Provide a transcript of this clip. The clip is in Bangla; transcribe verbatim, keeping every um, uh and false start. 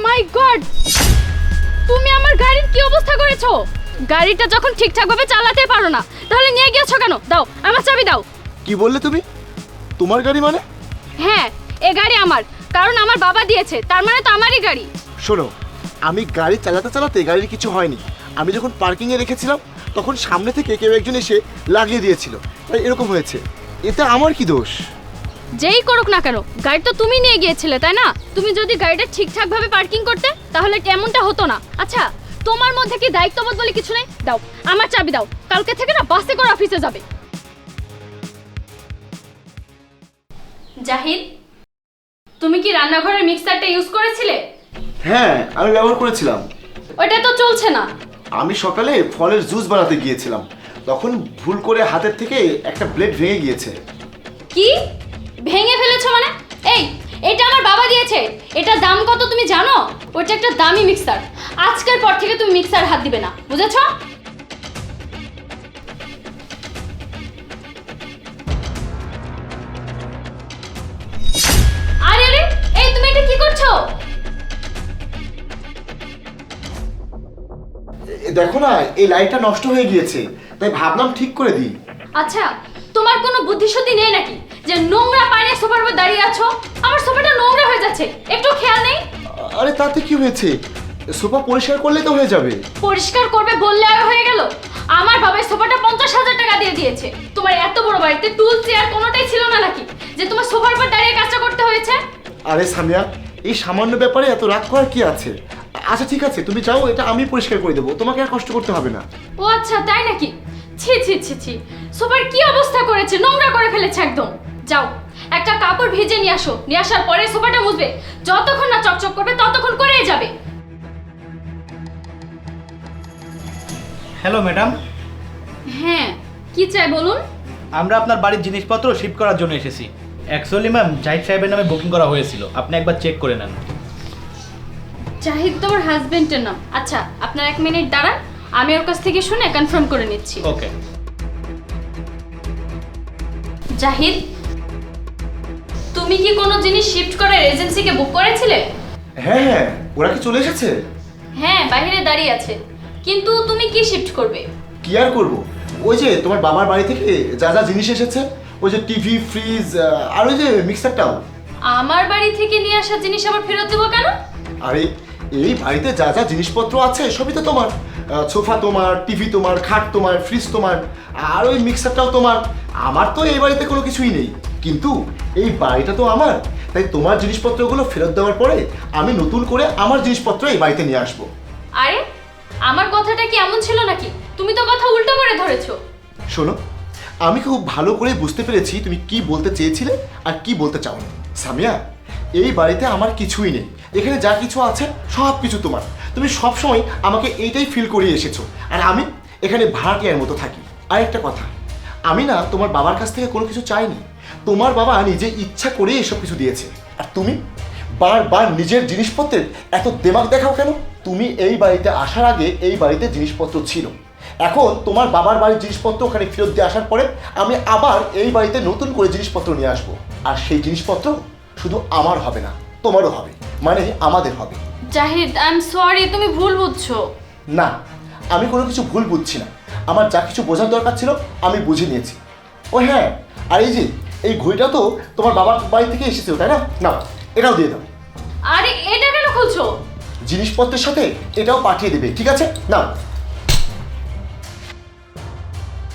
মাই গড, তুমি আমার গাড়ির কি অবস্থা করেছো? গাড়িটা যখন ঠিকঠাকভাবে চালাতে পারো না তাহলে নিয়ে গিয়েছো কেন? দাও আমার চাবি দাও। কি বললে তুমি? তোমার গাড়ি মানে? হ্যাঁ, এ গাড়ি আমার, কারণ আমার বাবা দিয়েছে, তার মানে তো আমারই গাড়ি। শোনো, আমি গাড়ি চালাতে চালাতে গাড়ির কিছু হয়নি। আমি যখন পার্কিংয়ে রেখেছিলাম তখন সামনে থেকে কেউ একজন এসে লাগিয়ে দিয়েছিল, তাই এরকম হয়েছে। এতে আমার কি দোষ? যেই করুক না কেন, গাড়ি তো তুমি নিয়ে গিয়েছিলে তাই না? তুমি যদি গাড়িটা ঠিকঠাকভাবে পার্কিং করতে তাহলে এমনটা হতো না। আচ্ছা, তোমার মধ্যে কি দায়িত্ববোধ বলে কিছু নেই? দাও আমার চাবি দাও, কালকে থেকে না বাসে করে অফিসে যাবে। জাহিদ, তুমি কি রান্নাঘরের মিক্সারটা ইউজ করেছিলে? হ্যাঁ, আমি ব্যবহার করেছিলাম। ওটা তো চলছে না। আমি সকালে ফলের জুস বানাতে গিয়েছিলাম, তখন ভুল করে হাতের থেকে একটা ব্লেড ভেঙে গিয়েছে। কি ভেঙে ফেলেছো মানে? এই, এটা আমার বাবা দিয়েছে। এটার দাম কত তুমি জানো? ওটা একটা দামি মিক্সার। আজকের পর থেকে তুমি মিক্সার হাত দিবে না, বুঝেছো? আরে আরে, এই তুমি এটা কি করছো? এ, দেখো না, এই লাইটটা নষ্ট হয়ে গিয়েছে, তাই ভাবলাম ঠিক করে দিই। আচ্ছা, তোমার কোনো বুদ্ধিশুদ্ধি নেই নাকি যে নোংরা পায়ে সোফার উপর দাঁড়িয়ে আছো? আমার সোফাটা নোংরা হয়ে যাচ্ছে, একটু খেয়াল নেই? আরে তাতে কি হয়েছে? সোফা পরিষ্কার করলে তো হয়ে যাবে। পরিষ্কার করবে বললে আর হয়ে গেল? আমার বাবা সোফাটা পঞ্চাশ হাজার টাকা দিয়ে দিয়েছে। তোমার এত বড় বাড়িতে টুল চেয়ার কোনোটাই ছিল না নাকি যে তোমার সোফার উপর দাঁড়িয়ে কাজটা করতে হয়েছে? আরে সামিয়া, এই সামান্য ব্যাপারে এত রাগ করার কি আছে? আচ্ছা ঠিক আছে, তুমি চাও এটা আমি পরিষ্কার করে দেবো, তোমাকে আর কষ্ট করতে হবে না। ও আচ্ছা, তাই নাকি? ছি ছি ছি ছি, সোফার কি অবস্থা করেছে, নোংরা করে ফেলেছে একদম। যাও একটা কাপড় ভেজে নিয়ে আসো, নিয়ে আসার পরে সোফাটা মুছবে। যতক্ষণ না চকচক করবে ততক্ষণ করেই যাবে। হ্যালো ম্যাডাম, হ্যাঁ, কি চাই বলুন? আমরা আপনার বাড়ির জিনিসপত্র শিফট করার জন্য এসেছি। অ্যাকচুয়ালি ম্যাম, জাহিদ সাহেবের নামে বুকিং করা হয়েছিল, আপনি একবার চেক করে নেন। জাহিদ তোমার হাজবেন্ডের নাম? আচ্ছা, আপনার এক মিনিট দাঁড়ান, আমি ওর কাছ থেকে শুনে কনফার্ম করে নিচ্ছি। ওকে। জাহিদ, তুমি কি কোনো জিনিস শিফট করার এজেন্সিকে বুক করেছিলে? হ্যাঁ হ্যাঁ, ওরা কি চলে এসেছে? হ্যাঁ, বাইরে দাঁড়িয়ে আছে। কিন্তু তুমি কি শিফট করবে? কি আর করবো, ওই যে তোমার বাবার বাড়ি থেকে যা যা জিনিস এসেছে, ওই যে টিভি, ফ্রিজ আর ওই যে মিক্সারটাও। আমার বাড়ি থেকে নিয়ে আসা জিনিস আবার ফেরত দেবো কেন? আরে এই বাড়িতে যা যা জিনিসপত্র আছে সবই তো তোমার। সোফা তোমার, টিভি তোমার, খাট তোমার, ফ্রিজ তোমার, আর ওই মিক্সারটাও তোমার। আমার তো এই বাড়িতে কোনো কিছুই নেই, কিন্তু এই বাড়িটা তো আমার, তাই তোমার জিনিসপত্রগুলো ফেরত দেওয়ার পরে আমি নতুন করে আমার জিনিসপত্র এই বাড়িতে নিয়ে আসবো। আরে আমার কথাটা কি এমন ছিল নাকি? তুমি তো কথা উল্টো করে ধরেছো। শোনো, আমি খুব ভালো করে বুঝতে পেরেছি তুমি কি বলতে চেয়েছিলে আর কি বলতে চাও না। সামিয়া, এই বাড়িতে আমার কিছুই নেই, এখানে যা কিছু আছে সব কিছু তোমার। তুমি সবসময় আমাকে এইটাই ফিল করিয়ে এসেছো, আর আমি এখানে ভাড়াটিয়ার মতো থাকি। আর একটা কথা, আমি না তোমার বাবার কাছ থেকে কোনো কিছু চাইনি, তোমার বাবা নিজে ইচ্ছা করে এসব কিছু দিয়েছে। আর তুমি বারবার নিজের জিনিসপত্রের এত দেমাগ দেখাও কেন? তুমি এই বাড়িতে আসার আগে এই বাড়িতে জিনিসপত্র ছিল, এখন তোমার বাবার বাড়ির জিনিসপত্র ওখানে ফেরত দিয়ে আসার পরে আমি আবার এই বাড়িতে নতুন করে জিনিসপত্র নিয়ে আসবো। আর সেই জিনিসপত্র শুধু আমার হবে না, তোমারও হবে, মানে আমাদের হবে। জাহিদ, আই এম সরি, তুমি ভুল বুঝছো। না, আমি কোনো কিছু ভুল বুঝছি না, আমার যা কিছু বোঝার দরকার ছিল আমি বুঝে নিয়েছি। ও হ্যাঁ, আর এই যে এই ঘড়িটা তো তোমার বাবার বাড়ি থেকে এসেছিল তাই না? নাও, এটাও দিয়ে দাও। আরে এটা কেন খুলছো? জিনিসপত্রের সাথে এটাও পাঠিয়ে দেবে, ঠিক আছে? নাও।